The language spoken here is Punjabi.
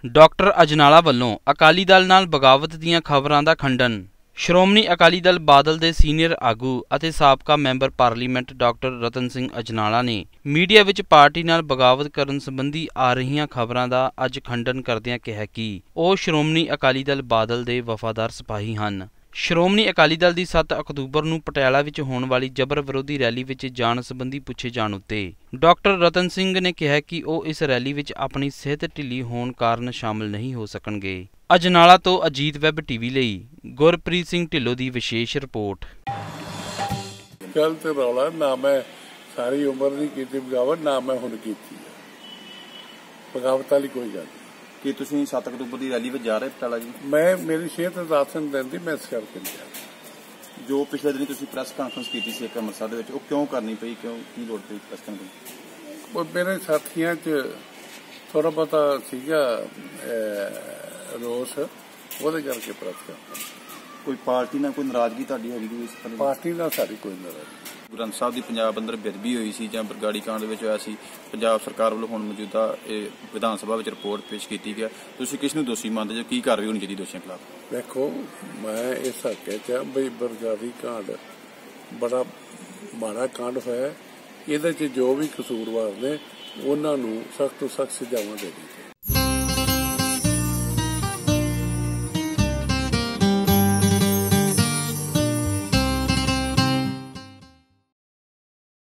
ਡਾਕਟਰ ਅਜਨਾਲਾ ਵੱਲੋਂ ਅਕਾਲੀ ਦਲ ਨਾਲ ਬਗਾਵਤ ਦੀਆਂ ਖਬਰਾਂ ਦਾ ਖੰਡਨ। ਸ਼੍ਰੋਮਣੀ ਅਕਾਲੀ ਦਲ ਬਾਦਲ ਦੇ ਸੀਨੀਅਰ ਆਗੂ ਅਤੇ ਸਾਬਕਾ member parliament doctor Ratan Singh Ajnala ਨੇ ਮੀਡੀਆ ਵਿੱਚ ਪਾਰਟੀ ਨਾਲ ਬਗਾਵਤ ਕਰਨ ਸੰਬੰਧੀ ਆ ਰਹੀਆਂ ਖਬਰਾਂ ਦਾ ਅੱਜ ਖੰਡਨ ਕਰਦਿਆਂ ਕਿਹਾ ਕਿ ਉਹ ਸ਼੍ਰੋਮਣੀ ਅਕਾਲੀ ਦਲ ਬਾਦਲ ਦੇ ਵਫਾਦਾਰ ਸਿਪਾਹੀ ਹਨ। ਸ਼੍ਰੋਮਣੀ ਅਕਾਲੀ ਦਲ ਦੀ 7 ਅਕਤੂਬਰ ਨੂੰ ਪਟਿਆਲਾ ਵਿੱਚ ਹੋਣ ਵਾਲੀ ਜਬਰ ਵਿਰੋਧੀ ਰੈਲੀ ਵਿੱਚ ਜਾਣ ਸੰਬੰਧੀ ਪੁੱਛੇ ਜਾਣ ਉੱਤੇ ਡਾਕਟਰ ਰਤਨ ਸਿੰਘ ਨੇ ਕਿਹਾ ਕਿ ਉਹ ਇਸ ਰੈਲੀ ਵਿੱਚ ਆਪਣੀ ਸਿਹਤ ਢਿੱਲੀ ਹੋਣ ਕਾਰਨ ਸ਼ਾਮਲ ਨਹੀਂ ਹੋ ਸਕਣਗੇ। ਅਜਨਾਲਾ ਤੋਂ ਅਜੀਤ ਵੈਬ ਟੀਵੀ ਲਈ ਗੁਰਪ੍ਰੀਤ ਸਿੰਘ ਢਿੱਲੋਂ ਦੀ ਵਿਸ਼ੇਸ਼ ਰਿਪੋਰਟ। ਗੱਲ ਤੇ ਰੌਲਾ ਨਾ ਮੈਂ ਸਾਰੀ ਉਮਰ ਨਹੀਂ ਕੀਤੀ ਬਗਾਵਤ, ਨਾ ਮੈਂ ਹੁਣ ਕੀਤੀ ਬਗਾਵਤ ਵਾਲੀ ਕੋਈ ਗੱਲ। ਕਿ ਤੁਸੀਂ 7 ਅਕਤੂਬਰ ਦੀ ਰੈਲੀ ਵਿੱਚ ਜਾ ਰਹੇ ਪਟਿਆਲਾ ਜੀ? ਮੈਂ ਮੇਰੀ ਸਿਹਤ ਰਾਸ਼ਨ ਦਿੰਦੀ, ਮੈਂ ਇਸ ਕਰਕੇ ਨਹੀਂ ਜਾ। ਜੋ ਪਿਛਲੇ ਦਿਨ ਤੁਸੀਂ ਪ੍ਰੈਸ ਕਾਨਫਰੰਸ ਕੀਤੀ ਸੀ ਇੱਕ ਅੰਮ੍ਰਿਤਸਰ ਦੇ ਵਿੱਚ, ਉਹ ਕਿਉਂ ਕਰਨੀ ਪਈ, ਕਿਉਂ ਕੀ ਲੋੜ ਪਈ ਪ੍ਰੈਸ ਕਾਨਫਰੰਸ? ਉਹ ਮੇਰੇ ਸਾਥੀਆਂ 'ਚ ਥੋੜਾ ਬਹੁਤਾ ਸੀਗਾ ਰੋਸ, ਉਹਦੇ ਕਰਕੇ ਪ੍ਰੈਸ ਕਾਨਫਰੰਸ। ਕੋਈ ਪਾਰਟੀ ਨਾਲ ਕੋਈ ਨਾਰਾਜ਼ਗੀ ਤੁਹਾਡੀ ਹੈਗੀ ਜੀ ਇਸ ਪਾਰਟੀ ਨਾਲ ਸਾਡੀ ਕੋਈ ਨਾਰਾਜ਼ਗੀ? ਗ੍ਰੰਥ ਸਾਹਿਬ ਦੀ ਪੰਜਾਬ ਅੰਦਰ ਬੇਅਦਬੀ ਹੋਈ ਸੀ ਜਾਂ ਬਰਗਾੜੀ ਕਾਂਡ ਵਿੱਚ ਹੋਇਆ ਸੀ, ਪੰਜਾਬ ਸਰਕਾਰ ਵੱਲੋਂ ਹੁਣ ਮੌਜੂਦਾ ਇਹ ਵਿਧਾਨ ਸਭਾ ਵਿੱਚ ਰਿਪੋਰਟ ਪੇਸ਼ ਕੀਤੀ ਗਿਆ, ਤੁਸੀਂ ਕਿਸ ਨੂੰ ਦੋਸ਼ੀ ਮੰਨਦੇ ਜੋ? ਕੀ ਕਾਰਵਾਈ ਹੋਣੀ ਚਾਹੀਦੀ ਦੋਸ਼ੀਆਂ ਖਿਲਾਫ? ਦੇਖੋ, ਮੈਂ ਇਸ ਹੱਕੇ 'ਚ ਬਈ ਬਰਗਾੜੀ ਕਾਂਡ ਬੜਾ ਮਾੜਾ ਕਾਂਡ ਹੋਇਆ, ਇਹਦੇ 'ਚ ਜੋ ਵੀ ਕਸੂਰਵਾਰ ਨੇ ਉਹਨਾਂ ਨੂੰ ਸਖਤ ਤੋਂ ਸਖਤ ਸਜ਼ਾਵਾਂ ਦੇਣੀ।